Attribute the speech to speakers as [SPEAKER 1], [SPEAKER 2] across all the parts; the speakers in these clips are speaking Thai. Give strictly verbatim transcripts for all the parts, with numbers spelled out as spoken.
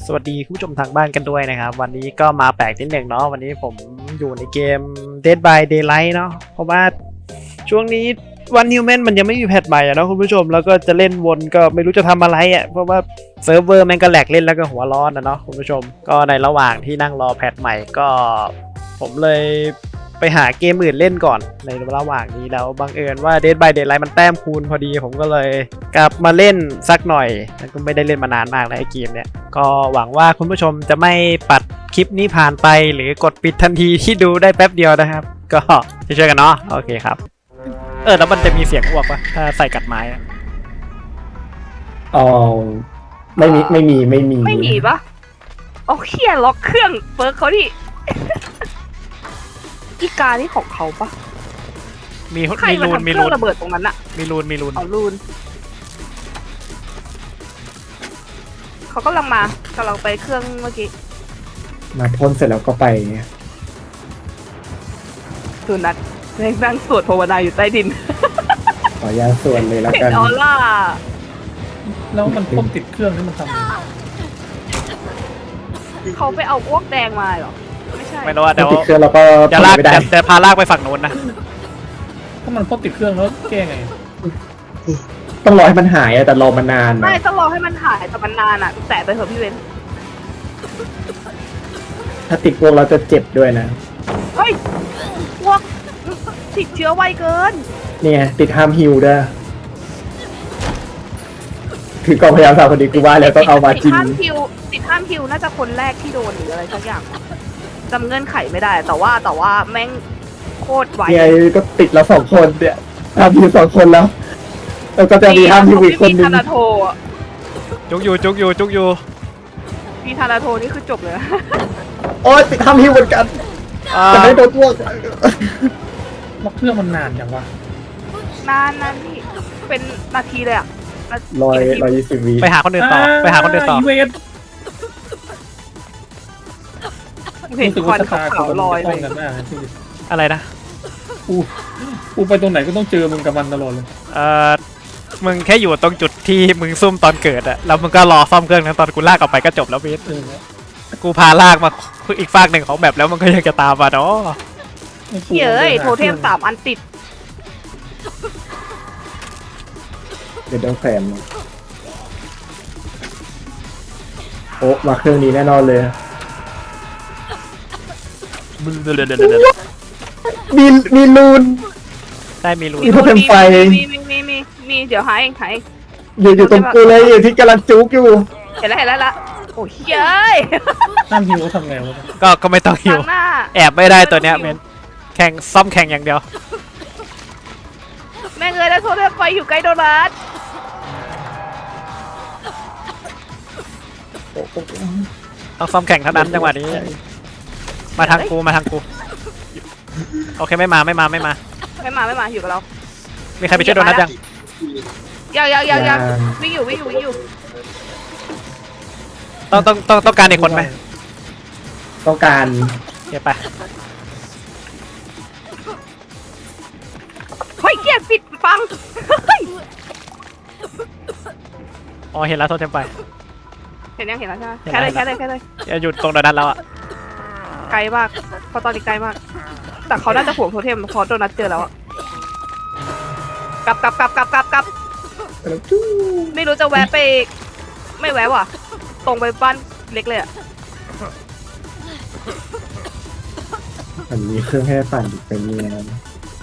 [SPEAKER 1] สวัสดีคุณผู้ชมทางบ้านกันด้วยนะครับวันนี้ก็มาแปลกนิดหนึ่งเนาะวันนี้ผมอยู่ในเกม Dead by Daylight เนาะเพราะว่าช่วงนี้วันฮิวแมนมันยังไม่มีแพทใหม่อะเนาะคุณผู้ชมแล้วก็จะเล่นวนก็ไม่รู้จะทำอะไรอะเพราะว่าเซิร์ฟเวอร์มันก็แหลกเล่นแล้วก็หัวร้อนนะเนาะคุณผู้ชมก็ในระหว่างที่นั่งรอแพทใหม่ก็ผมเลยไปหาเกมอื่นเล่นก่อนในระหว่างนี้แล้วบังเอิญว่า Dead by Daylight มันแต้มคูณพอดีผมก็เลยกลับมาเล่นสักหน่อยแล้วก็ไม่ได้เล่นมานานมากแล้วไอ้เกมเนี้ยก็หวังว่าคุณผู้ชมจะไม่ปัดคลิปนี้ผ่านไปหรือกดปิดทันทีที่ดูได้แป๊บเดียวนะครับก็ช่วยๆกันเนาะโอเคครับเออแล้วมันจะมีเสียงอ้วกปะถ้าใส่กัดไม้อะ
[SPEAKER 2] อ๋อไม่มีไม่มีไม่มี
[SPEAKER 3] ไม่มีปะโอเคล็อกเครื่องเปิร์กเขาดิ อีกานี่ของเขาปะ
[SPEAKER 1] มี
[SPEAKER 3] ใคร
[SPEAKER 1] มี
[SPEAKER 3] มา
[SPEAKER 1] รูน
[SPEAKER 3] ทำเค
[SPEAKER 1] มี
[SPEAKER 3] รื่
[SPEAKER 1] รู
[SPEAKER 3] อง
[SPEAKER 1] น
[SPEAKER 3] ระเบิดตรงนั้นอะ
[SPEAKER 1] มีรูนมีรูน
[SPEAKER 3] เอาลูนเขากำลังมากำลังไปเครื่องเมื่อกี้
[SPEAKER 2] มาพ่นเสร็จแล้วก็ไปเนี่ย
[SPEAKER 3] สุนัขนั่งสวดภาวนาอยู่ใต้ดิน
[SPEAKER 2] ขออนุญาตส่วนเลยแล้ว
[SPEAKER 3] เห็
[SPEAKER 2] กัน
[SPEAKER 3] นออร่า
[SPEAKER 4] แล้วมันพ่นติดเครื่องนี่มันทำไง
[SPEAKER 3] เขาไปเอาอ้วกแดงมาเหรอไม่ใช่
[SPEAKER 1] ไม่รู้ว่าเดี๋ยว
[SPEAKER 2] ติดเครื่องแล้วก็
[SPEAKER 1] จะลาก
[SPEAKER 2] ไม่ได้
[SPEAKER 1] จะจะพาลากไปฝั่งโน้นนะ
[SPEAKER 4] ถ้ามันพ่นติดเครื่องแล้วแก้ไง
[SPEAKER 2] ต้องรอให้มันหายอะแต่รอมานานนะ
[SPEAKER 3] ไม่ต้องรอให้มันหายแต่มันนานอะแตะไปเถอะพี่เว้น
[SPEAKER 2] ถ้าติดพวกเราจะเจ็บด้วยนะ
[SPEAKER 3] เฮ้ยอ้วกติดเชื้อไวเกิน
[SPEAKER 2] เนี่ยติดห้ามฮิวด้วยคือกองพยายามสาวคนนี้กูว่าแล้วต้องเอามาจริ
[SPEAKER 3] ติด
[SPEAKER 2] ง
[SPEAKER 3] ห้ามฮิวติดห้ามฮิวน่าจะคนแรกที่โดนหรืออะไรสักอย่างจำเงื่อนไขไม่ได้ แต่ว่าแต่ว่าแม่งโคตรไว
[SPEAKER 2] เนี่ยก็ติดแล้วสองคนเนี่ยห้ามฮิวสองคนแล้วแล้วก็จะมีห้ามฮิวอีกคนนึ
[SPEAKER 3] มี
[SPEAKER 2] ง
[SPEAKER 3] ธานาโทอะ
[SPEAKER 1] จุกอยู่จุกอยู่จุกอยู่
[SPEAKER 3] มีธานาโทนี่คือจบเลยนะ
[SPEAKER 2] โอ๊ยติดห้ามฮิวเหมือนกัน
[SPEAKER 1] อ่า
[SPEAKER 2] แต่ไม่โดนพวก
[SPEAKER 4] ล็อกเครื่องมันนานอย่างวะ
[SPEAKER 3] นานนานนี่เป็นนาทีเลยอะนาที
[SPEAKER 2] ร้อย
[SPEAKER 3] นาที
[SPEAKER 2] ร้อยยี่สิบวิ
[SPEAKER 1] ไปหาคนอื่นต่อไปหาคนอื่นต่อ
[SPEAKER 4] อีเวน
[SPEAKER 3] เห็น
[SPEAKER 4] รู้สึก
[SPEAKER 3] ควั
[SPEAKER 4] ว่าน ชะตา
[SPEAKER 3] ขาว
[SPEAKER 4] คน
[SPEAKER 3] ๆลอย
[SPEAKER 4] มัน
[SPEAKER 3] เล
[SPEAKER 4] จะ
[SPEAKER 3] ย
[SPEAKER 4] ต้องกันมากนะที่
[SPEAKER 1] อะไรนะ
[SPEAKER 4] กูกูไปตรงไหนก็ต้องเจอมึงกับมันตลอดเลย
[SPEAKER 1] เออมึงแค่อยู่ตรงจุดที่มึงซุ่มตอนเกิดอะแล้วมึงก็รอซ่อมเครื่องนะตอนกูลากออกไปก็จบแล้วเบส
[SPEAKER 4] เออ
[SPEAKER 1] กูพาลากมาอีกฝากหนึ่งของแบบแล้วมันก็ยังจะตามมาเนาะ
[SPEAKER 4] ไม่กู
[SPEAKER 3] เย้ยโทเทมสามอันติด
[SPEAKER 2] เดี๋ยวต้องแขวนมาโอ้มาเครื่องนี้แน่นอนเลย มีมีรูน
[SPEAKER 1] ได้มีรูน
[SPEAKER 2] มีโทเทมไฟ
[SPEAKER 3] มีมีมีมีมีเดี๋ยวหาเองหาเอง
[SPEAKER 2] อยู่อยู่ตรงกูเลยอยู่ที่กำลังจุกอยู่
[SPEAKER 3] เห็นแล้วเห็นแล้วละโอ้ยเย้ย
[SPEAKER 4] ห้ามฮิวทำไงวะ
[SPEAKER 1] ก็ก็ไม่ต้องหิว
[SPEAKER 3] ทางหน้า
[SPEAKER 1] แอบไม่ได้ตัวเนี้ยเมนแข่งซ่อมแข่งอย่างเดียว
[SPEAKER 3] แม่งเลยแล้วโทเทมไฟอยู่ใกล้โดนัท
[SPEAKER 1] ต้องซ่อมแข่งเท่านั้นจังหวะนี้ มาทางกูมาทางกูโอเคไม่มาไม่มาไม่มา
[SPEAKER 3] ไม่มาไม่มาอยู่กับเรา
[SPEAKER 1] มีใครไปช่วยโดนัทยัง
[SPEAKER 3] ยังยังยังยัง
[SPEAKER 2] ยัง
[SPEAKER 3] วิ่งอยู่วิ่งอยู่วิ่งอยู่
[SPEAKER 1] ต้องต้องต้องต้องการอีกคนไหม
[SPEAKER 2] ต้องการ
[SPEAKER 1] โอเคไป
[SPEAKER 3] เฮ้ยเกียปิดฟังเฮ้ย
[SPEAKER 1] อ๋อเห็นแล้วโทษเต็มไป
[SPEAKER 3] เห็นยังเห็นแล้วใช่ไหม
[SPEAKER 1] เห็น
[SPEAKER 3] แค่
[SPEAKER 1] แล้
[SPEAKER 3] เลยว แค่เลยแค่เลย
[SPEAKER 1] อย่าหยุดตรงโดนัทแล้วอะ
[SPEAKER 3] ไกลมากเพราะตอนนี้ไกลมาก แต่เขาน่าจะห่วงโทเทมเพราะโดนัทเจอแล้วอะกลับกลับกลับกลับกลับกลับไม่รู้จะแวะไป ไม่แวะว่ะ ตรงไปบ้านเล็กเลยอะ
[SPEAKER 2] มันมีเครื่องให้ปั่นอีกเป็นเนียน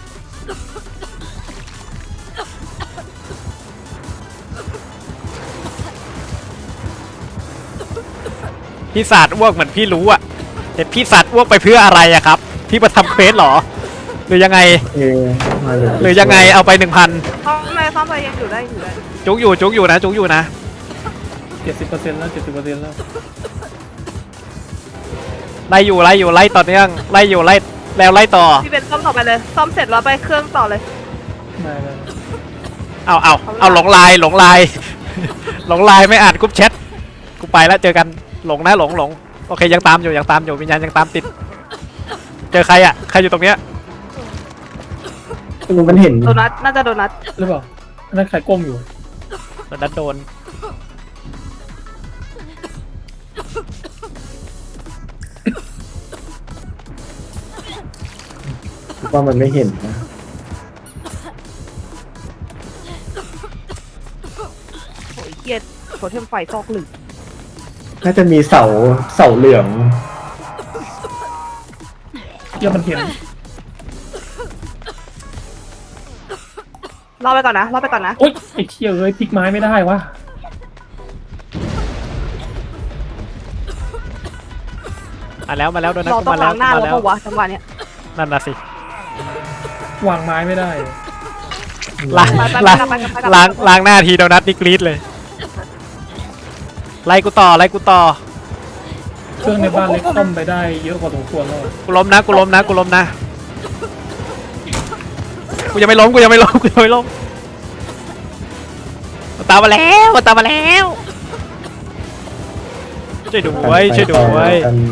[SPEAKER 1] พี่ศาสตร์อ้วกเหมือนพี่รู้อะแต่พี่ศาสตร์อ้วกไปเพื่ออะไรอะครับ พี่มาทำเควสเหรอ หรือยังไง
[SPEAKER 2] เอมาเลย
[SPEAKER 1] หรือยังไงเอาไปหนึ่งพัน
[SPEAKER 3] ซ่อมไปซ่อมไปยังอยู่ได้อยู่ได้
[SPEAKER 1] จุกอยู่จุกอยู่นะจุกอยู่นะ
[SPEAKER 4] เจ็ดสิบเปอร์เซ็นต์แล้วเจ็ดสิบเปอร์เซ็นต์แล้ว
[SPEAKER 1] ไล่อยู่ไล่อยู่ไล่ต่อเนื่องไล่อยู่ไล่แล้วไล่ต่อ
[SPEAKER 3] พี่เป็นซ่อมต่อไปเลย ซ่อมเสร็จแล้วไปเครื่องต่อเลย
[SPEAKER 4] ได้ได้
[SPEAKER 1] เอาเอาเอาหลงลายหลงลาย หลงลายไม่อ่านกรุ๊ปแชทกูไปแล้วเจอกันหลงนะหลงหลงโอเคยังตามอยู่ยังตามอยู่วิญญาณยังตามติด เจอใครอะใครอยู่ตรงเนี้ย
[SPEAKER 2] มันเห็น
[SPEAKER 3] โดนัทน่าจะโดนัท
[SPEAKER 4] หรือเปล่าอันนั่นใครก้มอยู่
[SPEAKER 1] โดนัทโดน
[SPEAKER 2] ว่ามันไม่เห็นนะ
[SPEAKER 3] โอ้ยเกียดโถเทมไฟซอกหลึก
[SPEAKER 2] น่าจะมีเสาเสาเหลือง
[SPEAKER 4] เหี้ยมันเห็น
[SPEAKER 3] รอไปก่อนนะรอไปก่อนนะ
[SPEAKER 4] โอ๊ยไอ้เชี่ยเอ้ยพลิกไม้ไม่ได้วะ
[SPEAKER 1] มาแล้วมาแล้วโดนัท
[SPEAKER 3] เรา
[SPEAKER 1] กู
[SPEAKER 3] ต้อง
[SPEAKER 1] มาแล้
[SPEAKER 3] ล้าว งหน้า
[SPEAKER 1] มา
[SPEAKER 3] แล้ว
[SPEAKER 1] แล้ว
[SPEAKER 3] ปะวะจังหวะเนี้ย
[SPEAKER 1] นั่นน่ะสิ
[SPEAKER 4] วางไม้ไม่ได้
[SPEAKER 1] ล้าง
[SPEAKER 3] ไปไปไป
[SPEAKER 1] ล้าง
[SPEAKER 3] ไปไปไปไป
[SPEAKER 1] ล้างล้างหน้าทีโดนัทนี่กรี๊ดเลยไล่กูต่อไล่กูต่อ
[SPEAKER 4] เครื่องในบ้านเล็กต้มไปได้เยอะพอสมควรแล้ว
[SPEAKER 1] กูล้มนะกูล้มนะกูล้มนะกูยังไม่ล้มกูยังไม่ล้มกูยังไม่ล้มมันตามมาแล้วมันตามมาแล้วช่วยด้วยช่วยด้วย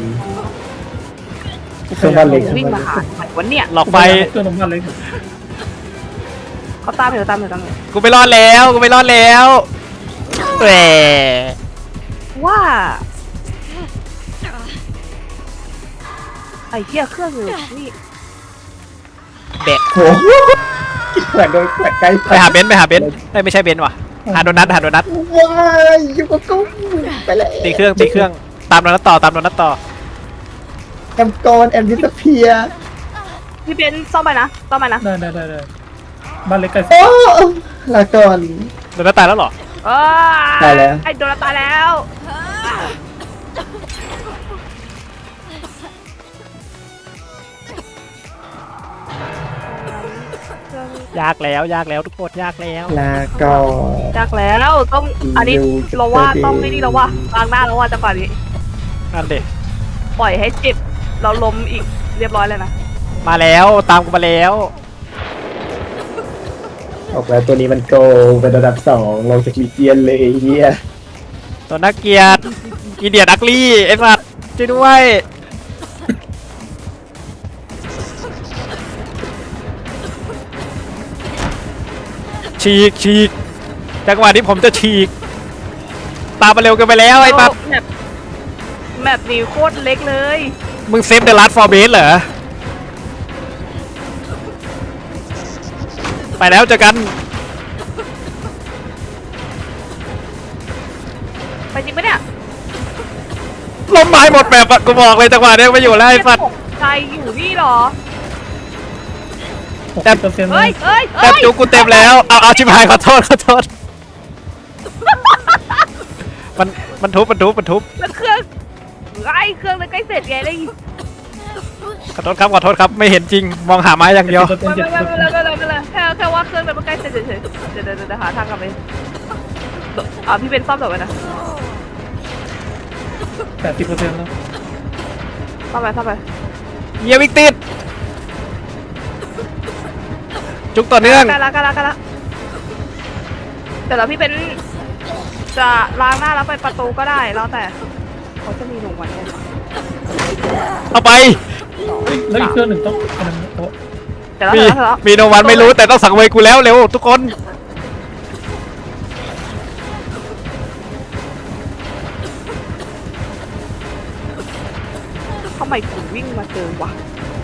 [SPEAKER 2] เครื่องบ้านเล็ก
[SPEAKER 3] วิ่งมาหาไหนวันเนี้ย
[SPEAKER 1] หลอกไฟ
[SPEAKER 4] เครื่องในบ้านเล็ก
[SPEAKER 3] เขาตามอยู่ตามอยู่ตามอยู่
[SPEAKER 1] กูไม่รอดแล้วกูไม่รอดแล้วแหม
[SPEAKER 3] ว่าไอ้เหี้ยเครื่องอยู่นี่
[SPEAKER 1] แบะ
[SPEAKER 2] โอ้โหกินแขวนโดยแขวนใกล้
[SPEAKER 1] ไปหาเบนซ์ไปหาเบนซ์เอ้ยไม่ใช่เบนซ์ว่ะหาโดนัทหาโดนัท
[SPEAKER 2] ว้ายอยู่กับกูไปเลย
[SPEAKER 1] ตีเครื่องตีเครื่องตามโดนัทต่อตามโดนัทต่อ
[SPEAKER 2] แอมกอนแอมดิสเพีย
[SPEAKER 3] พี่เบนซ์ซ่อมไปนะซ่อมไปนะ
[SPEAKER 4] ได้ได้ได้ได้บ้านเล็กใกล้
[SPEAKER 2] โอ้ลาก่อน
[SPEAKER 1] โดนัทตายแล้วเหรอ
[SPEAKER 3] เออ
[SPEAKER 2] ตายแล้ว
[SPEAKER 3] ไอ้โดนตายแล้ว
[SPEAKER 1] ยากแล้วยากแล้วทุกคนยากแล้ว
[SPEAKER 2] ลาก่อน
[SPEAKER 3] ยากแล้วต้องอันนี้เราว่าต้องไม่นี่เราว่าล้างหน้าเราว่าจังหวะนี้
[SPEAKER 1] นั่นเด็
[SPEAKER 3] ปล่อยให้เจ็บเราล้มอีกเรียบร้อยเลยนะ
[SPEAKER 1] มาแล้วตามกูมาแล้ว
[SPEAKER 2] ออกแล้วตัวนี้มันโกเป็นระดับสองลงจากลีเจียนเลยไอ้เฮีย
[SPEAKER 1] ตัวนักเกียรติอีเดียดักลี่ไอ้สัตว์ช่วยด้วยฉีกฉีกจังหวะนี้ผมจะฉีกตามมาเร็วเกินไปแล้วไอ้ปั๊บ
[SPEAKER 3] แมปแมปนี้โคตรเล็กเลย
[SPEAKER 1] มึงเซฟเดอะลัสฟอร์เบสเหรอไปแล้วเจอกัน
[SPEAKER 3] ไปจริงปะเนี่ย
[SPEAKER 1] ล้มไม้หมดแบบอะกูบอกเลยจังหวะนี้ไม่อยู่แล้วไอ้สัตว์
[SPEAKER 3] ใจอยู่นี่เหรอ
[SPEAKER 4] หกสิบเปอร์เซ็นต์
[SPEAKER 3] เฮ้ยเฮ้ย
[SPEAKER 1] แต้
[SPEAKER 3] เฮ้
[SPEAKER 1] ม
[SPEAKER 3] ย
[SPEAKER 1] จุกกูเต็มแล้วเอาเอาชิบหายขอโทษขอโทษมันมันทุบมันทุบมันทุบ
[SPEAKER 3] แล้วเครื่องไอ้เครื่องเลยใกล้เสร็จไงเลย
[SPEAKER 1] ขอโทษครับขอโทษครับไม่เห็นจริงมองหาไม้อย่างเดียว
[SPEAKER 4] เปอร์เซ็น
[SPEAKER 3] ไม่
[SPEAKER 4] ต์
[SPEAKER 3] ไม่
[SPEAKER 4] เจ็ด
[SPEAKER 3] ไม่
[SPEAKER 4] เปอร์
[SPEAKER 3] ไม่
[SPEAKER 4] เซ็นต์
[SPEAKER 3] ไม่ไม่ไม่แค่แค่ว่าเครื่องมันใกล้เสร็จเฉยๆเดี๋ยวเดี๋ยวเดี๋ยวหาทางกลับไปอ่าพี่เป็นซ่อมเดี๋ยวไว้นะ
[SPEAKER 4] แปดสิบเปอร์เซ็นต์แล้ว
[SPEAKER 3] ซ่อมไปซ่อมไป
[SPEAKER 1] เยียวิกติดจุกต่อเนื่อง
[SPEAKER 3] กันละกันละกันละแต่แล้วพี่เป็นจะล้างหน้าแล้วไปประตูก็ได้แล้วแต่เขาจะมีหนุ่มวันเนี่ย
[SPEAKER 1] เอาไป
[SPEAKER 4] แล้วอีกเครื่องหนึ่งต้องอันนั้นโต๊ะ
[SPEAKER 3] แต่แล้ว
[SPEAKER 1] มี
[SPEAKER 3] แต่แล้ว
[SPEAKER 1] มีโนวันไม่รู้แต่ต้องสั่งเวรกูแล้วเร็วทุกคน
[SPEAKER 3] ทำไมถึงวิ่งมาเจอวะ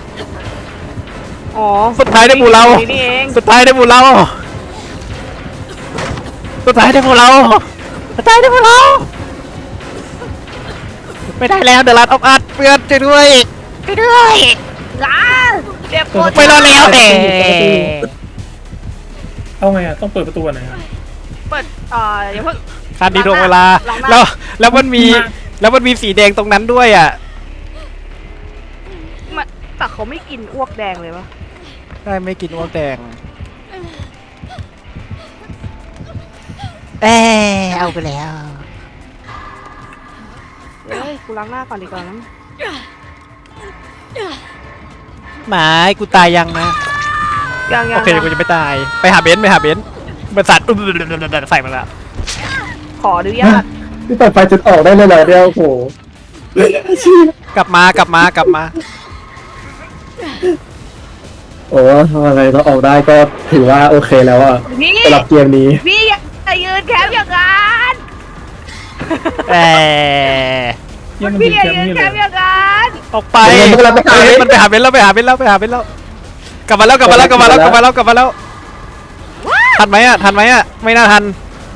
[SPEAKER 3] อ๋อ
[SPEAKER 1] สุดท้ายได้หมู่เรา
[SPEAKER 3] นี่นี่เอง
[SPEAKER 1] สุดท้ายได้หมู่เราสุดท้ายได้หมู่เราสุดท้ายได้หมู่เราไม่ได้แล้วเดอะลัดออฟอาร์ตเพื่อนช่วยด้วยช่วยด้วย
[SPEAKER 3] ล้าเจ็บปวด
[SPEAKER 1] ไม่รอดแล้วแต่
[SPEAKER 4] เอาไงอ่ะต้องเปิดประตูอันไหนอ่ะ
[SPEAKER 3] เปิดเอ่ออย่าเพิ่ง
[SPEAKER 1] คันดีดวงเวลา
[SPEAKER 3] หลังหน้า
[SPEAKER 1] แล้วแล้วมันมี
[SPEAKER 4] หลังหน้า
[SPEAKER 1] แล้วมันมีสีแดงตรงนั้นด้วยอ่ะ
[SPEAKER 3] มันแต่เขาไม่กินอ้วกแดงเลยวะ
[SPEAKER 1] ได้ไม่กินอ้วกแดงเออเอาไปแล้ว
[SPEAKER 3] เฮ้ยกูล้างหน้าก่อนดีกว่านะ
[SPEAKER 1] หมากูตายยังนะ
[SPEAKER 3] ยังยัง
[SPEAKER 1] โอเคกูจะไม่ตายไปหาเบนซ์ไปหาเบนซ์บริษัทอุ๊บใส่มาแล้ว
[SPEAKER 3] ขออนุญาต
[SPEAKER 2] ที่เปิดไฟจนออกได้เลยเหรอเดียวโอ้โห
[SPEAKER 1] กลับมากลับมากลับมา
[SPEAKER 2] โอ้ทำอะไรเราออกได้ก็ถือว่าโอเคแล้วอะ
[SPEAKER 3] พี่
[SPEAKER 2] สำหรับเกมนี้
[SPEAKER 3] พี่อย่ายืนแคมป์อย่างนั้น
[SPEAKER 1] เออ
[SPEAKER 4] เยี่ยมมัน
[SPEAKER 3] พี่
[SPEAKER 4] ดี
[SPEAKER 3] อย่า
[SPEAKER 4] แคมป์
[SPEAKER 3] ยืน
[SPEAKER 4] นี่
[SPEAKER 3] แค
[SPEAKER 4] เลย
[SPEAKER 3] มป์อย่างนั้น
[SPEAKER 1] ออกไป
[SPEAKER 2] เดี๋ยวมันกำลังไปหาเบนซ์
[SPEAKER 1] มันไปหาเบนซ์แล้วไปหาเบนซ์แล้วไปหาเบนซ์แล้วกลับมาแล้วกลับมาแล้วกลับมาแล้วกลับมาแล้วกลับมาแล้วทันไหมอ่ะทันไหมอ่ะไม่น่าทัน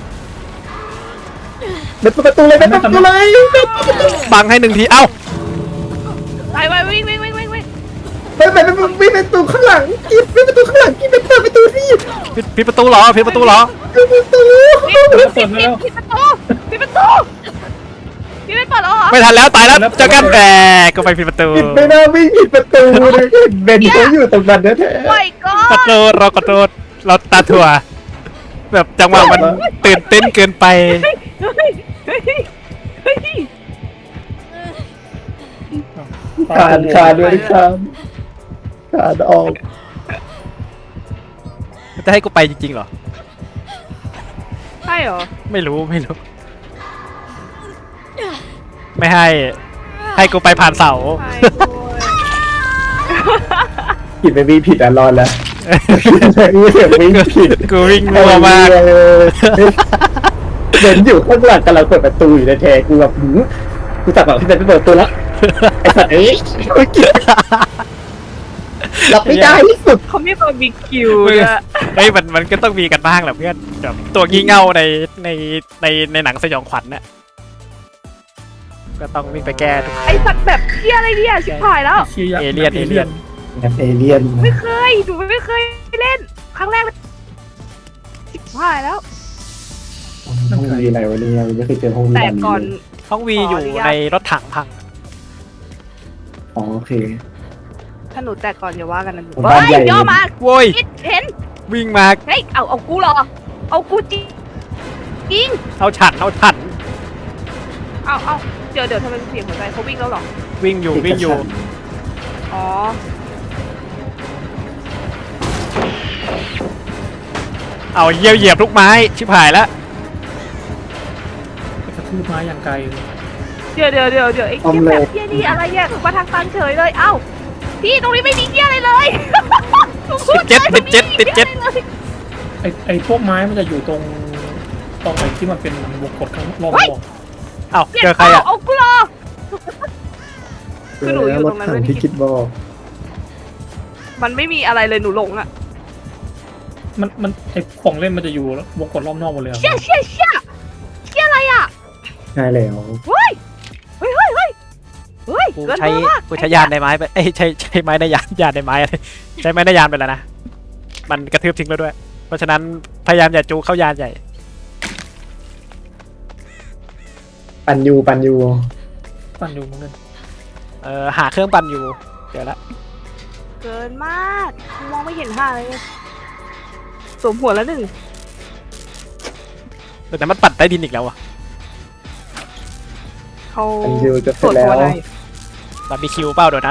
[SPEAKER 2] เปิดประตูเลยเปิดประตูเลย
[SPEAKER 1] บังให้หนึ่งทีเอ้า
[SPEAKER 3] ไปไปวิ่งวิ่งวิ่งวิ่งวิ่ง
[SPEAKER 2] ไปไปไปไปประตูข้างหลังกินไปประตูข้างหลังกินไปเปิดประตูสิ
[SPEAKER 1] ปิดปิดประตูเหรอปิดประตูเหรอ
[SPEAKER 2] ปิดประตู
[SPEAKER 3] ปิดปิดปิดประตูปิดประตูพี่ไม่เปิดหรอ
[SPEAKER 1] ไม่ทันแล้วตายแล้วเจอกันแหมก็ไปปิดประตู
[SPEAKER 2] ปิดไม่ได้วิ่งผิดประตูเลยเบนเขาอยู่ตรงนั้นแท้
[SPEAKER 3] ไม่ก็
[SPEAKER 1] ขอโทษเราขอโทษเราตาถั่วแบบจังหวะมันตื่นเต้นเกินไป
[SPEAKER 3] เฮ้ยเฮ้ยเฮ้ย
[SPEAKER 2] ๆขาดขาดด้วยครับขาดออก
[SPEAKER 1] จะให้กูไปจริงๆเหรอ
[SPEAKER 3] ใช่เหรอ
[SPEAKER 1] ไม่รู้ไม่รู้ ไม่ให้ ให้กูไปผ่านเสา
[SPEAKER 3] ใช่ด้วย
[SPEAKER 2] ผิดไปวิ่งผิดอ่ะรอดแล้ววิ่งผิด
[SPEAKER 1] กูวิ่งรัวมาก
[SPEAKER 2] เดินอยู่ข้างหลังกำลังเปิดประตูอยู่ในแท้กูแบบหืมกูตัดแบบที่เป็นไปเปิดประตูแล้วไอ้สัตว์เอ้ยกูเกลียดรับไม่ได้ที่สุด
[SPEAKER 3] เขามีตัวบิ๊กคิว
[SPEAKER 1] เฮ้ย
[SPEAKER 3] ด้วย
[SPEAKER 1] เฮ้ยมันมันก็ต้องมีกันบ้างแหละเพื่อนแบบตัวงี่เง่าในในในในหนังสยองขวัญเนี่ยก็ต้องวิ่งไปแก้ทุก
[SPEAKER 3] ไอ้สัตว์แบบเที่ยอะไรเนี่ยชิบหายแล้ว
[SPEAKER 4] เชียร์
[SPEAKER 1] เอเลี่ยนเอเลี่ยน
[SPEAKER 2] แบบเอเลี่ยน
[SPEAKER 3] ไม่เคยหนูไม่เคยเล่นครั้งแรกเลยชิบหายแล้ว
[SPEAKER 2] ห้องวีอะไรวะเนี่ยไม่เคยเจอห้องวี
[SPEAKER 3] แต่ก่อน
[SPEAKER 1] ห้องวี
[SPEAKER 3] ขอ
[SPEAKER 1] อ
[SPEAKER 3] อยู่ นุญาต
[SPEAKER 1] ในรถถังพัง
[SPEAKER 2] อ๋อโอเค
[SPEAKER 3] ถ้าหนูแต่ก่อนอย่าว่ากันนะหนู
[SPEAKER 2] บ้านใหญ่
[SPEAKER 3] เฮ้ยย่อมา
[SPEAKER 1] โว้ย
[SPEAKER 3] คิดเห็น
[SPEAKER 1] วิ่งมา
[SPEAKER 3] เฮ้ยเอาเอากูเหรอเอากูจริงจริง
[SPEAKER 1] เอาฉันเอาฉัน
[SPEAKER 3] เอาเอาเดี๋ยวเดี๋ยวทำไมเสียงหัวใจเขาวิ่งแล้วเหรอ
[SPEAKER 1] วิ่งอยู่วิ่งอยู่
[SPEAKER 3] อ๋อ
[SPEAKER 1] เอาเหยียบเหยียบทุกไม้ชิบหายแล้ว
[SPEAKER 4] กระทืบไม้อย่างไกล
[SPEAKER 3] เดี๋ยวเดี๋ยวเดี๋ยวเดี๋ยวไอ้เหี้ยแบบเหี้ยนี่อะไรเนี่ยมาทางตันเฉยเลยเอ้าพี่ตรงนี้ไม่มีเหี้ยอะไรเลยหนูพู
[SPEAKER 1] ติดเจ็ดติดเจ็ดติดเจ็ด
[SPEAKER 3] ไม่มีหี้ยอะไรเลย
[SPEAKER 4] ไอไอพวกไม้มันจะอยู่ตรงตรงไอที่มันเป็นวงกดข้างรอบนอก
[SPEAKER 1] เอาเจอใครอ่ะ
[SPEAKER 3] เอากูเหรอ คือหนูอยู่ตรงนั้น
[SPEAKER 2] รถ
[SPEAKER 3] ไม่
[SPEAKER 2] ถั
[SPEAKER 3] ได้
[SPEAKER 2] ที่คิดบอก
[SPEAKER 3] มันไม่มีอะไรเลยหนูหลงอะ
[SPEAKER 4] มันมันไอของเล่นมันจะอยู่วงกดรอบนอกหมดเลยอะ
[SPEAKER 3] เชี่ยเชี่ยเชี่ยเชี่ยอะไรอะ
[SPEAKER 2] ใช่แล้ว
[SPEAKER 3] เฮ้ยเฮ้ยเฮ้ยเฮ้ยเฮ้ย
[SPEAKER 1] กู
[SPEAKER 3] เกิน
[SPEAKER 1] ใช้
[SPEAKER 3] เบอร์มาก
[SPEAKER 1] กูใช้ยานในไม้ไปเอ้ยใช้ใช้ไม้ในยานยานในไม้อะไรใช้ไม้ในยานไปแล้วนะมันกระทืบทิ้งแล้วด้วย เพราะฉะนั้นพยายามอย่าจูเข้ายานใหญ่
[SPEAKER 2] ปันยูปันยู
[SPEAKER 4] ปั่นอยู่เหมือนกัน
[SPEAKER 1] เออหาเครื่องปั่นอยู่เดี๋ยวละ
[SPEAKER 3] เกินมากมองไม่เห็นห่าเลยสวมหัวแล้วหนึ่ง
[SPEAKER 1] แต่มันปั่นใต้ดินอีกแล้วอ่ะ
[SPEAKER 3] เขา
[SPEAKER 2] ปันยูจะเสร็จแล้ว
[SPEAKER 1] บาร์บีคิวเปล่าเดี๋ยวนั้น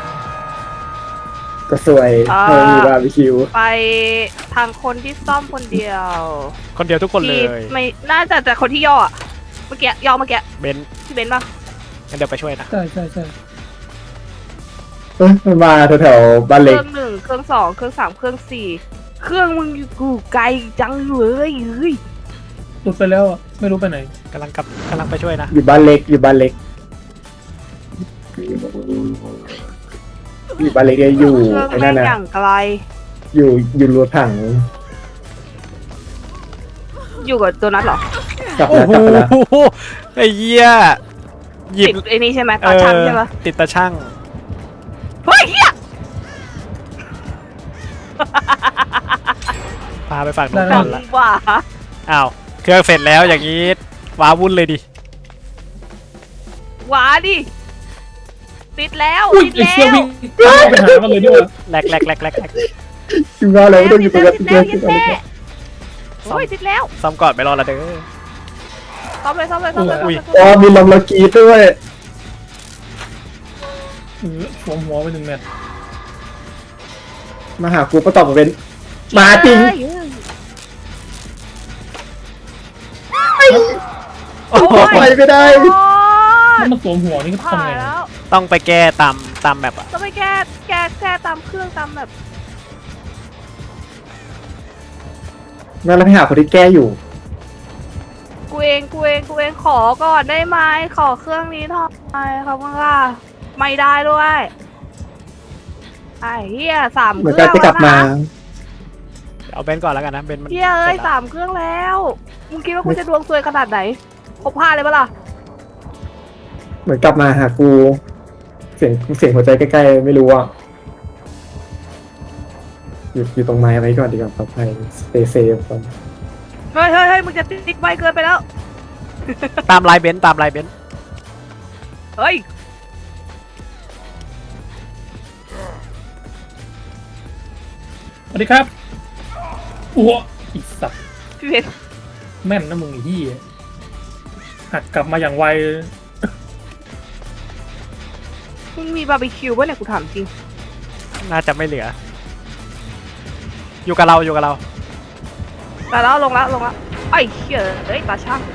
[SPEAKER 2] ก็สวยเออมีบาร์บีคิว
[SPEAKER 3] ไปทางคนที่ซ่อมคนเดียว
[SPEAKER 1] คนเดียวทุกคนเล
[SPEAKER 3] ที่
[SPEAKER 1] ย
[SPEAKER 3] ไม่น่าจะแต่คนที่ย่ออะเมื่อกี้ย่อเมื่อกี้
[SPEAKER 1] เบนซ์
[SPEAKER 3] ที่เบนซ์ป่ะ
[SPEAKER 1] งั้นเดี๋ยวไปช่วยนะ
[SPEAKER 4] ใช่ใช่ใช่
[SPEAKER 2] เอ้ยมันมาแถวๆบ้าน
[SPEAKER 3] เค
[SPEAKER 2] เล็ก
[SPEAKER 3] รื่องหนึ่งเครื่องสองเครื่องสามเครื่องสี่เครื่องมึงอยู่กูไกลจังเลยเฮ้ย
[SPEAKER 4] หลุดไปแล้วอะไม่รู้ไปไหน
[SPEAKER 1] กำลังกลับกำลังไปช่วยนะ
[SPEAKER 2] อยู่บ้านเล็กอยู่บ้านเล็กอยู่บ้านเล็กเนี่ยอยู่
[SPEAKER 3] เครื่อง
[SPEAKER 2] ไอ้
[SPEAKER 3] แม่
[SPEAKER 2] นั่น
[SPEAKER 3] ง
[SPEAKER 2] นะ
[SPEAKER 3] อย่างไกล
[SPEAKER 2] อยู่อยู่รัวถัง
[SPEAKER 3] อยู่กับตัวนัทเหรอ
[SPEAKER 2] กลับ
[SPEAKER 1] โอ้
[SPEAKER 2] แล้ว
[SPEAKER 1] โห
[SPEAKER 2] กลับแล้ว
[SPEAKER 1] ไอ้เหี้ยหยิบ
[SPEAKER 3] ติดไอ้นี่ใช่ไหมตาช่างใช่ปะ
[SPEAKER 1] เออติดตาช่าง
[SPEAKER 3] เฮ้ยเฮีย
[SPEAKER 1] พาไปฝั่งนู้น
[SPEAKER 4] ได้
[SPEAKER 1] ก่อนละ
[SPEAKER 3] จังหว่า
[SPEAKER 1] อ้าวเครื่องเสร็จแล้วอย่างนี้ว้าวุ่นเลยดิ
[SPEAKER 3] หวาดิติดแล้ว
[SPEAKER 4] อุ้ย
[SPEAKER 3] ติด
[SPEAKER 4] ไอ
[SPEAKER 3] แล้
[SPEAKER 4] เชี่ยว วิ่งเข้าไปหามันเลยด้วย
[SPEAKER 1] แลกแลกแลกแลกแลก
[SPEAKER 2] อยู่บ้านเราไม่ต้องอยู่ตรงนั้น
[SPEAKER 3] ติด
[SPEAKER 2] เจ
[SPEAKER 3] แล้
[SPEAKER 2] อ
[SPEAKER 3] ว
[SPEAKER 2] ที่
[SPEAKER 3] ติด
[SPEAKER 2] บ้าน
[SPEAKER 3] แล้
[SPEAKER 2] เล็
[SPEAKER 3] ว
[SPEAKER 2] ก
[SPEAKER 3] โอ้ยติดแล้ว
[SPEAKER 1] ซ้อมก่อนไปรอละเด้อ
[SPEAKER 3] ซ่อมเลยซ่อมเลยซ่อมเลย
[SPEAKER 1] อุ้ย
[SPEAKER 2] อ๋อมีลมระกีด้วย
[SPEAKER 4] เออสวมหัวไปหนึ่งเม็ด
[SPEAKER 2] มาหากูประตอบมาเป็นมาจริง
[SPEAKER 1] โอ้โห
[SPEAKER 2] ไปไม่ได้
[SPEAKER 3] โอ้ย
[SPEAKER 4] ถ้ามันสวมหัวนี่ก็
[SPEAKER 3] ผ่า
[SPEAKER 4] ทำไง
[SPEAKER 3] นแล้ว
[SPEAKER 1] ต้องไปแก้ตามตามแบบอะ
[SPEAKER 3] ต้องไปแก้แก้แก้ตามเครื่องตามแบบ
[SPEAKER 2] งั้นเราไปหาคนที่แก้อยู่
[SPEAKER 3] กูเองกูเองกูเองขอก่อนได้ไหมขอเครื่องนี้หน่อยครับว่าไม่ได้ด้วยไอ้เฮียสาม
[SPEAKER 2] เห
[SPEAKER 3] เค
[SPEAKER 2] มือน
[SPEAKER 3] รื่
[SPEAKER 2] กั
[SPEAKER 3] อน ง
[SPEAKER 2] จะกลับมา
[SPEAKER 1] เอาเบนซ์ก่อนแล้วกันนะเบนซ์มัน
[SPEAKER 3] เฮียเอ้ยสามเครื่องแล้วมึงคิดว่ากูจะดวงซวยขนาดไหนครบห้าเลยปะล่ะ
[SPEAKER 2] เหมือนกลับมาหากู เสียงเสียงหัวใจใกล้ๆไม่รู้อ่ะอยู่อยู่ตรงไม้ไว้ก่อนดีกว่าปลอดภัยสเตย์เซฟก่อน
[SPEAKER 3] เฮ้ยเฮ้ยเฮ้ยมึงจะติ๊กไวเกินไปแล้ว
[SPEAKER 1] ตามลายเบนซ์ตามลายเบนซ์
[SPEAKER 3] เฮ้ย
[SPEAKER 4] สวัสดีครับอ้วอีสัตว์
[SPEAKER 3] พี่เพชร
[SPEAKER 4] แม่นนะมึงไอ้เหี้ยหักกลับมาอย่างไว
[SPEAKER 3] มึงมีบาร์บีคิวป่ะเนี่ยกูถามจริง
[SPEAKER 1] น่าจะไม่เหลือ อยู่กับเราอยู่กับเรา
[SPEAKER 3] แต่แล้วลงละลงละไอ้เหี้ยเอ้ยตาช่าง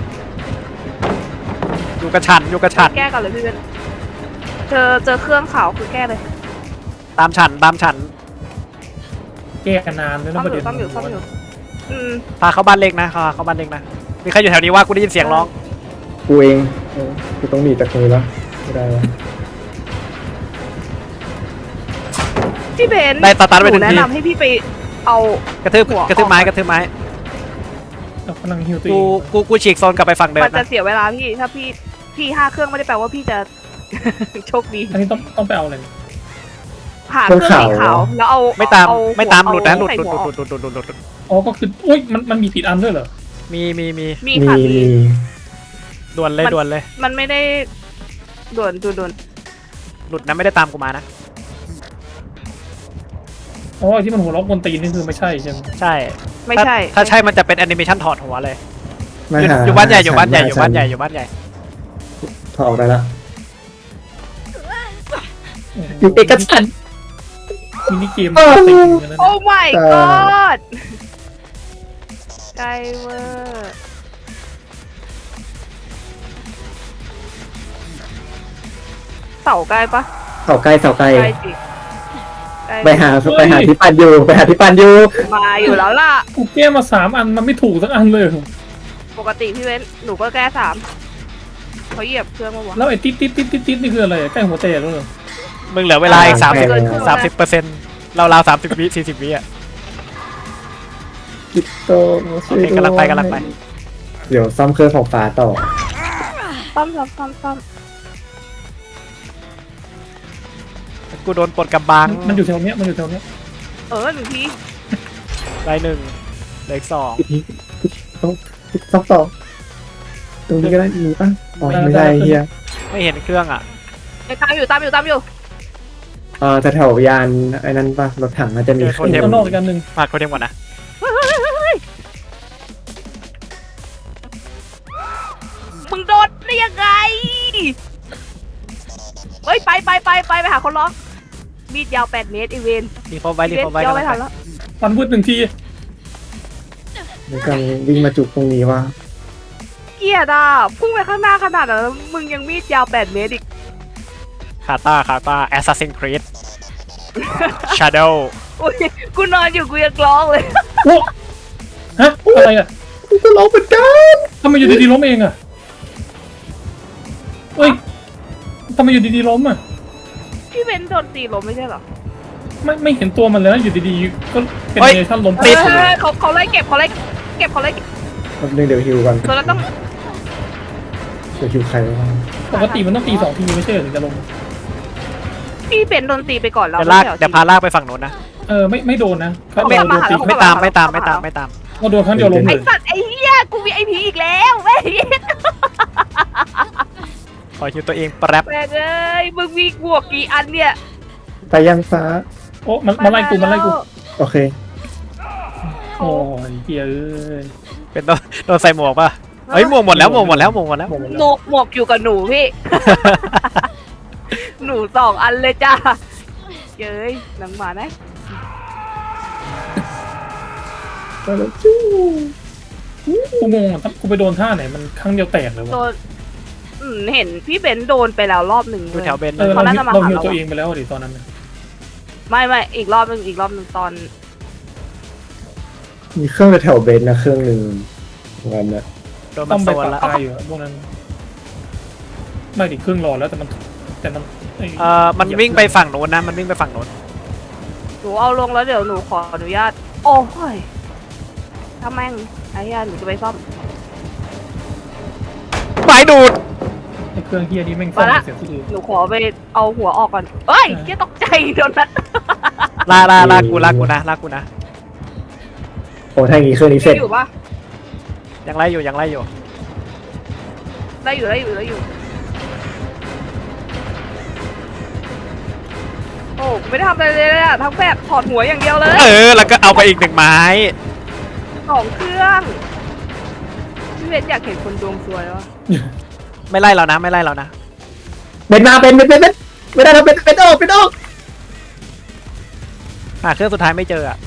[SPEAKER 1] อยู่กับฉันอยู่กับฉัน
[SPEAKER 3] แก้กันเลยพี่เพชรเจอเจอเครื่องขาวคือแก้เลย
[SPEAKER 1] ตามฉันตามฉัน
[SPEAKER 4] แก้กันนานด้วย
[SPEAKER 3] ต้
[SPEAKER 4] นะ
[SPEAKER 3] อง
[SPEAKER 4] ประ
[SPEAKER 3] อ
[SPEAKER 4] เด็
[SPEAKER 3] ยู่
[SPEAKER 4] น
[SPEAKER 3] ต้องอยู่ต้องอยู่อืม
[SPEAKER 1] พาเข้าบ้านเล็กนะพาเข้าบ้านเล็กนะมีใครอยู่แถวนี้ว่ากูได้ยินเสียงร้อง
[SPEAKER 2] กูเองเออกูต้องหนีจากมือแล้วไม่ได้แล้ว
[SPEAKER 3] พี่เบนซ์
[SPEAKER 1] ได้สตาร์ทไป
[SPEAKER 3] ห
[SPEAKER 1] หนึ่
[SPEAKER 3] นู
[SPEAKER 1] ง
[SPEAKER 3] แนะ
[SPEAKER 1] ที
[SPEAKER 3] นำให้พี่ไปเอา
[SPEAKER 1] กระทืบ
[SPEAKER 3] หัว
[SPEAKER 1] กระทืบไม้
[SPEAKER 3] ออก
[SPEAKER 1] กระทืบไม้
[SPEAKER 4] เรากำลังฮิวตัวเอ
[SPEAKER 1] กู
[SPEAKER 4] ง
[SPEAKER 1] กูกูฉีกโซนกลับไปฝั่งเดิ
[SPEAKER 3] มัน
[SPEAKER 1] ม
[SPEAKER 3] จะ
[SPEAKER 1] นะ
[SPEAKER 3] เสียเวลาพี่ถ้าพี่พี่ห้าเครื่องไม่ได้แปลว่าพี่จะ โชคดี
[SPEAKER 4] อันนี้ต้องต้องไปเอาอะไร
[SPEAKER 3] หาเครื่องสีขาวแล้วเอา
[SPEAKER 1] ไม่ตาม
[SPEAKER 3] เอ
[SPEAKER 1] ไม่ตาม
[SPEAKER 3] เอ
[SPEAKER 1] หลุดนะหลุด
[SPEAKER 3] ใส่
[SPEAKER 1] หลุด
[SPEAKER 3] หัว
[SPEAKER 1] ห
[SPEAKER 3] อ
[SPEAKER 1] ลุ
[SPEAKER 3] อก
[SPEAKER 1] ดหลุดหลุดหลุดหลุดหลุด
[SPEAKER 4] อ๋อก็คืออุ้ยมันมันมีผิดอันด้วยเหรอ
[SPEAKER 1] มีมีมี
[SPEAKER 3] มี
[SPEAKER 2] มี
[SPEAKER 3] ค่ะ
[SPEAKER 2] มี
[SPEAKER 3] พี่
[SPEAKER 1] ด่วนเลยด่วนเลย
[SPEAKER 3] มันไม่ได้ด่วนด่วนด่วน
[SPEAKER 1] หลุดนะไม่ได้ตามกูมานะ
[SPEAKER 4] อ๋อไอ้ที่มันหัวล็อกบนตีนนี่คือไม่ใช่ใช่ไหม
[SPEAKER 1] ใช่
[SPEAKER 3] ไม่
[SPEAKER 1] ถ้า
[SPEAKER 3] ใช่
[SPEAKER 1] ถ้าใช่มันจะเป็นแอนิเมชันถอดหัวเลย
[SPEAKER 2] มา
[SPEAKER 1] อยู่
[SPEAKER 2] หา
[SPEAKER 1] อยู่บ้านใหญ่อยู่บ้านใหญ่
[SPEAKER 2] ม
[SPEAKER 1] อยู่บ้านใหญ่อยู่บ้านใหญ่
[SPEAKER 2] ถอดออกได้ละอยู่เอกชันท์
[SPEAKER 4] มินิเกม
[SPEAKER 2] เออ
[SPEAKER 4] ตีนกันแล้ว
[SPEAKER 3] โอ้
[SPEAKER 4] นะ
[SPEAKER 3] my
[SPEAKER 2] เออ
[SPEAKER 3] god ไกลเวอร์เสาใกล้ปะ
[SPEAKER 2] เสาไกลเสาไกล
[SPEAKER 3] ใกล้สิใกล้
[SPEAKER 2] ไปหาไปหาที่ปันอยู่ไปหาที่ปันอยู่
[SPEAKER 3] มาอยู่แล้วล่ะ
[SPEAKER 4] กูแก้มาสามอันมันไม่ถูกสักอันเลย
[SPEAKER 3] ปกติพี่เว้นหนูก็แก้สามเขาเหยียบเครื่องมาวะ
[SPEAKER 4] แล้วไอ้ติ๊ดติ๊ดติ๊ดติ๊ดติ๊ดนี่คืออะไรใกล้หัวแตกแล้วเหรอ
[SPEAKER 1] มึงเหลือเวลาอีกสามสิบ
[SPEAKER 3] เกินครึ่ง
[SPEAKER 1] สามสิบเปอร์เซ็นต์เราเราสามสิบวิสี่สิบวิอ่ะ
[SPEAKER 2] กิโต
[SPEAKER 1] โอเคกำลังไปกำลังไป
[SPEAKER 2] เดี๋ยวซ่อมเครื่องของฟ้าต่อ
[SPEAKER 3] ซ่อมซ่อมซ่อมซ่อม
[SPEAKER 1] กูโดนปลดกำบัง
[SPEAKER 4] มันอยู่แถวเนี้ยมันอยู่แถวเนี้ย
[SPEAKER 3] เออหนึ่งที
[SPEAKER 1] ได้หนึ่งเหลืออีกสอง
[SPEAKER 2] ต้องซ่อมต่อตรงนี้ก็ได้มีป่ะอ๋อไม่ได้เฮีย
[SPEAKER 1] ไม่เห็นเครื่องอ่ะ
[SPEAKER 3] ไปตามอยู่ตามอยู่ตามอยู่
[SPEAKER 2] เออแต่แถวยานไอ้นั้นป่ะรถถังน่าจะมี
[SPEAKER 1] เออโทเทม
[SPEAKER 4] ข้างนอกอีกอันหนึ่ง
[SPEAKER 1] ฝากโทเทมก่อนนะ
[SPEAKER 3] มึงโดนได้ยังไงเฮ้ยไปไปไปไปไปหาคนร้องมีดยาวแปดเมตรอีเวน
[SPEAKER 1] รีพอร์ตไว้รี
[SPEAKER 3] เวน
[SPEAKER 1] พอร์ตไว้
[SPEAKER 3] ย่อ
[SPEAKER 1] กัน
[SPEAKER 3] ไม่ทันแล้ว
[SPEAKER 4] ฟันวืดหนึ่งที
[SPEAKER 2] มีการวิ่งมาจุกตรงนี้ว่า
[SPEAKER 3] เกลียดอ่ะพุ่งไปข้างหน้าขนาดนั้นแล้วมึงยังมีดยาวแปดเมตรอีก
[SPEAKER 1] คาตาคาตาแอสซัสซินครีดชาโดว์
[SPEAKER 3] อุ้ยกูนอนอยู่กูยังร้องเลย
[SPEAKER 4] โอ้ฮะอะไรอ่ะ
[SPEAKER 2] กูก็ร้องเหมือนกัน
[SPEAKER 4] ทำไมอยู่ดีๆล้มเองอ่ะเฮ้ยทำไมอยู่ดีๆล้มอ่ะ
[SPEAKER 3] พี่เบนโดนตีล้มไม่ใช่เหรอ
[SPEAKER 4] ไม่ไม่เห็นตัวมันเลยนะอยู่ดีๆก็เป็นเนชั่นล้ม
[SPEAKER 3] เออเขาเขาไล่เก็บเขาไล่เก็บเขาไล่เก็บ
[SPEAKER 2] แป๊บนึงเดี๋ยวฮิวก่อน
[SPEAKER 3] ตัวนั้นต้อง
[SPEAKER 2] เดี๋ยวฮิวใครวะ
[SPEAKER 4] ปกติมันต้องตีสองทีไม่ใช่เหรอถึงจะลง
[SPEAKER 3] พี่เบนโดนตีไปก่อนแล้ว
[SPEAKER 1] เดี๋ยวลาก
[SPEAKER 3] ไม่ใช่หรอ
[SPEAKER 1] เดี๋ยวพาลากไปฝั่งโน้นนะ
[SPEAKER 4] เออไม่ไม่โดนนะเขา
[SPEAKER 3] ไม่
[SPEAKER 4] โดน
[SPEAKER 3] มาหา
[SPEAKER 4] ตี
[SPEAKER 3] เรา
[SPEAKER 1] ไม่ตามไม่ตามไม่ตามไม่ตาม
[SPEAKER 4] เราโดนครั้งเดียวล้ม
[SPEAKER 3] ไอ
[SPEAKER 4] เลย
[SPEAKER 3] สัตว์ไอเหี้ยกูมีไอพีอีกแล้วแม่ง
[SPEAKER 1] ขอคิวตัวเองแป๊บ
[SPEAKER 3] แม่งเอ้ยมึงมีบวกกี่อันเนี่ย
[SPEAKER 2] ไปยังฟ้า
[SPEAKER 4] โอ้มันมาไล่กูมาไล่กู
[SPEAKER 2] โอเค
[SPEAKER 4] โอ้ยเหี้ยเอ้ย
[SPEAKER 1] เป็นโดนโดนใส่หมวกป่ะเฮ้ยหมวกหมดแล้วหมวกหมดแล้วหมวกหมดแล้ว
[SPEAKER 4] หมดหมด
[SPEAKER 3] ห
[SPEAKER 4] แล้
[SPEAKER 3] ม
[SPEAKER 4] ว
[SPEAKER 3] วกหมวกอยู่กับหนูพี่ หนูสองอันเลยจ้าเย้ยหนังหมานะ
[SPEAKER 2] ไปแล้วจู้
[SPEAKER 4] กูงงอ่ะกูไปโดนท่าไหนมันครั้งเดียวแตกเลยวะ
[SPEAKER 3] โดนอืมเห็นพี่เบนโดนไปแล้วรอบหนึ่ง
[SPEAKER 1] ดู
[SPEAKER 3] เลย
[SPEAKER 1] แถวเบน
[SPEAKER 4] เออ
[SPEAKER 3] เขา
[SPEAKER 4] เรา
[SPEAKER 3] น่าจะมา
[SPEAKER 4] เรา
[SPEAKER 3] หา
[SPEAKER 4] ฮิว
[SPEAKER 3] เรา
[SPEAKER 4] ตัวเองไปแล้วดิตอนนั้นน่ะ
[SPEAKER 3] ไม่ไม่อีกรอบหนึ่งอีกรอบหนึ่งตอน
[SPEAKER 2] มีเครื่องแถวเบนนะเครื่องหนึ่งวันน่ะ
[SPEAKER 1] โดน
[SPEAKER 4] ต้
[SPEAKER 1] มั
[SPEAKER 4] อน ง
[SPEAKER 1] โซ
[SPEAKER 4] ไป
[SPEAKER 1] น
[SPEAKER 4] ปรับ
[SPEAKER 1] แล้ว
[SPEAKER 4] ตายอยู่อะพวกนั้นไม่ดิครึ่งหลอดแล้วแต่มันแต่มัน
[SPEAKER 1] เอ่อมันวิ่งไปฝั่งโน้นนะมันวิ่งไปฝั่งโน้น
[SPEAKER 3] นูเอาลงแล้วเดี๋ยวหนูขออนุญาตโอ้ยถ้าแม่งไอ้เหี้ยหนูจะไปซ่อม
[SPEAKER 1] ไม้ดูด
[SPEAKER 4] ไอ้เครื่องเฮียนี้แม่งซ่อมเสียงที่อื่น
[SPEAKER 3] หนูขอไปเอาหัวออกก่อนเอ้ยเหี้ยตกใจโดนนัด
[SPEAKER 1] ลาลาลากูลากูนะลากูนะ
[SPEAKER 2] โอ้ถ้าอย่างงี้เครื่องนี้เสร็จ
[SPEAKER 3] อยู่ปะ
[SPEAKER 1] ยังไล่อยู่ยังไล่อยู่
[SPEAKER 3] ได้อยู่ได้อยู่ได้อยู่โอ้ไม่ได้ทำอะไรเลยอะทั้งแบบถอดหัวอย่างเดียวเลย
[SPEAKER 1] เออแล้วก็เอาไปอีกหนึ่งไม้
[SPEAKER 3] สองเครื่องพี่เบนอยากเห็นคนดวงซวยวะ
[SPEAKER 1] ไม่ไล่เรานะไม่ไล่เรานะ
[SPEAKER 2] เป็นมาเป็นเป็นเป็นเป็นไม่ได้แล้วเป็นเป็นออกเป็นออก
[SPEAKER 1] หาเครื่องสุดท้ายไม่เจออะ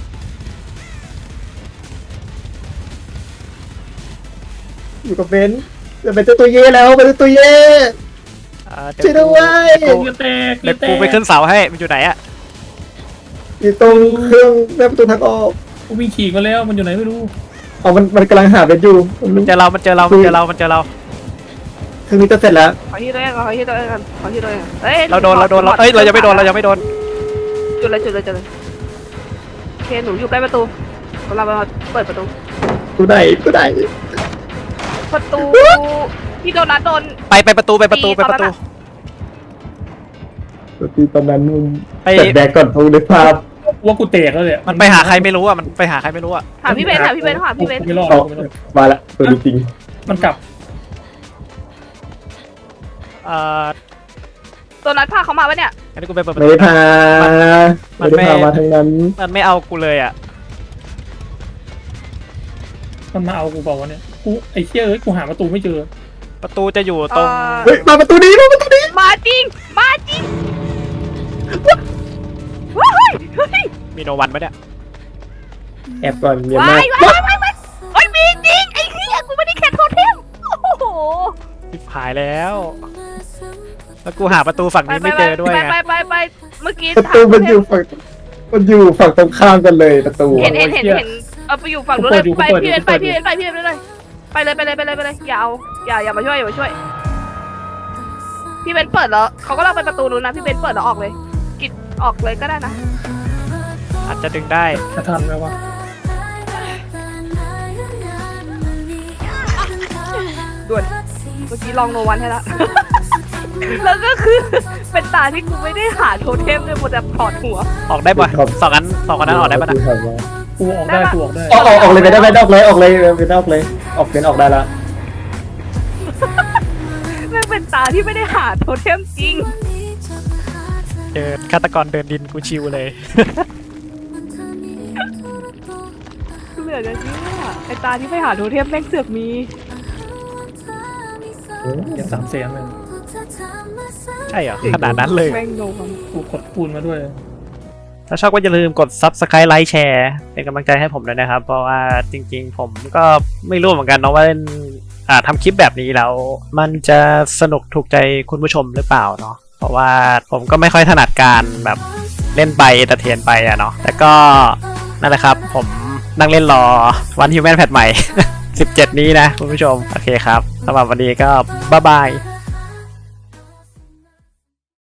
[SPEAKER 2] อยู่กับเบนจะเป็นตัวเย่แล้วเป็นตัวเย่
[SPEAKER 1] เออเดี๋
[SPEAKER 2] ช่วยด้วย
[SPEAKER 1] เดี๋ยวกู
[SPEAKER 4] เฮียแตก
[SPEAKER 1] เดี๋ยวกูไปขึ้นเสาให้มันอยู่ไหนอะ
[SPEAKER 2] อยู่ตรงเครื่องแม่ประตูทางออก
[SPEAKER 4] กูวิ่งขี่มาแล้วมันอยู่ไหนไม่รู้
[SPEAKER 2] เอามันมันกำลังหาเบนอยู่มัน
[SPEAKER 1] มันเจอเรามันเจอเรามันเจอเรามันเจอเรา
[SPEAKER 2] เครื่องนี้จะเสร็จแล้ว
[SPEAKER 3] ขอที่ตัวเองขอที่ตัวเองกันขอที่ตัวเองเฮ้ย
[SPEAKER 1] เราโดนเราโดนเราเอ้ยเรายังไม่โดนเรายังไม่โดน
[SPEAKER 3] จุดเลยจุดเลยจุดเลยโอเคหนูอยู่ใกล้ประตูเรามาเปิดประตู
[SPEAKER 2] ตัวไหนตัวไหน
[SPEAKER 3] ประตูที่โดนนัดโดน
[SPEAKER 1] ไปไปประตูไปประตูไปประตู
[SPEAKER 2] ตัวที่ตอนนั้นมึง
[SPEAKER 1] ไป
[SPEAKER 2] เสร็จแบกก่อนทูนึกภาพ
[SPEAKER 4] ว่ากูแตกแล้วเนี่ย
[SPEAKER 1] มันไปหาใครไม่รู้อะมันไปหาใครไม่รู้อะ
[SPEAKER 3] หาพี่เบนหาพี่เบนหาพี่เบน
[SPEAKER 4] ไม่รอด
[SPEAKER 2] ออก
[SPEAKER 4] ไม่รอด
[SPEAKER 2] มาละตัวจริง
[SPEAKER 4] มันกลับ
[SPEAKER 1] เอ่อ
[SPEAKER 3] ตัวนัดพาเขามาปะเนี่ย
[SPEAKER 1] งั้นกูไปเปิดประ
[SPEAKER 2] ไม่
[SPEAKER 1] ตู
[SPEAKER 2] ได้พา
[SPEAKER 1] มัน
[SPEAKER 2] ไม่ได้พา
[SPEAKER 1] ไม่
[SPEAKER 2] มาทางนั้น
[SPEAKER 1] มันไม่เอากูเลยอะ
[SPEAKER 4] มันมาเอากูบอกว่าเนี่ยกูไอ้เฮียเอ้ยกูหาประตูไม่เจอ
[SPEAKER 1] ประตูจะอยู่ตรง
[SPEAKER 2] เฮ้ยมาประตูนี้มาประตูนี้
[SPEAKER 3] มาจริงมาจริงว้ายเฮ้ย
[SPEAKER 1] มีโนวันไหมเนี่ย
[SPEAKER 2] แอบก่อนเดี๋ยว
[SPEAKER 3] ว้า
[SPEAKER 2] มา
[SPEAKER 3] ยว้ายว้ายว้ายเฮ้ยมีจริงไอ้เหี้ยกูไม่ได้แค่โทษเทมโอ้โห
[SPEAKER 1] ชิบหายแล้ว แล้วกูหาประตูฝั่งนี้ไม่เจอด้วย
[SPEAKER 3] ไป
[SPEAKER 1] ไง
[SPEAKER 3] ไปไปไปเมื่อกี้
[SPEAKER 2] ประตูมันอยู่ฝั่งมันอยู่ฝั่งตรงข้ามกันเลยประตู
[SPEAKER 3] เห็นเห็นเห็นเห็นเอาไปอยู่ฝั่งนู้นเลยไปพี่เบนไปพี่เบนไปพี่เบนเลยไปเลยไปเลยไปเลยไปเลยอย่าเอาอย่าอย่ามาช่วยอย่ามาช่วยพี่เบนเปิดแล้วเขาก็เล่าไปประตูนู้นนะพี่เบนเปิดแล้วออกเลยกิดออกเลยก็ได้นะ
[SPEAKER 1] อาจจะดึงได้
[SPEAKER 4] จะทันไหมวะ
[SPEAKER 3] ด่วนเมื่อกี้ลองโนวันให้ละ แล้วก็คือเป็นตาที่กูไม่ได้หาโทเทมเลยหมดแต่ถอดหัว
[SPEAKER 1] ออกได้ป่ะสองอันสองคนนั้นออกได้ป่ะนะ
[SPEAKER 4] กูออกได้กูออกได้
[SPEAKER 2] ออกออกออกเลยไปได้ไปได้ออกเลยออกเลยไปได้ออกเลยออกเป็นออกได้ละ
[SPEAKER 3] แม่งเป็นตาที่ไม่ได้หาโทเทมจริง
[SPEAKER 1] เดินฆาตกรเดินดินกูชิวเลย
[SPEAKER 3] เหลือจะเชื่อไอตาที่ไม่หาโทเทมแม่งเสือกมี
[SPEAKER 4] อย่างสามแสนเลย
[SPEAKER 1] ใช่เหรอขนาดนั้นเลย
[SPEAKER 3] แม่งโนวัน
[SPEAKER 4] กูกดคูณมาด้วย
[SPEAKER 1] ถ้าชอบก็อย่าลืมกด Subscribe ไลค์แชร์เป็นกำลังใจให้ผมด้วยนะครับ เพราะว่าจริงๆ ผมก็ไม่รู้เหมือนกันเนาะว่าอ่าทำคลิปแบบนี้แล้ว มันจะสนุกถูกใจคุณผู้ชมหรือเปล่าเนาะเพราะว่าผมก็ไม่ค่อยถนัดการแบบเล่นไปตะเทียนไปอะเนาะแต่ก็นั่นแหละครับ ผมนั่งเล่นรอวันฮิวแมนแพทใหม่ สิบเจ็ด นี้นะคุณผู้ชม โอเคครับสำหรับวันนี้ก็บ๊ายบาย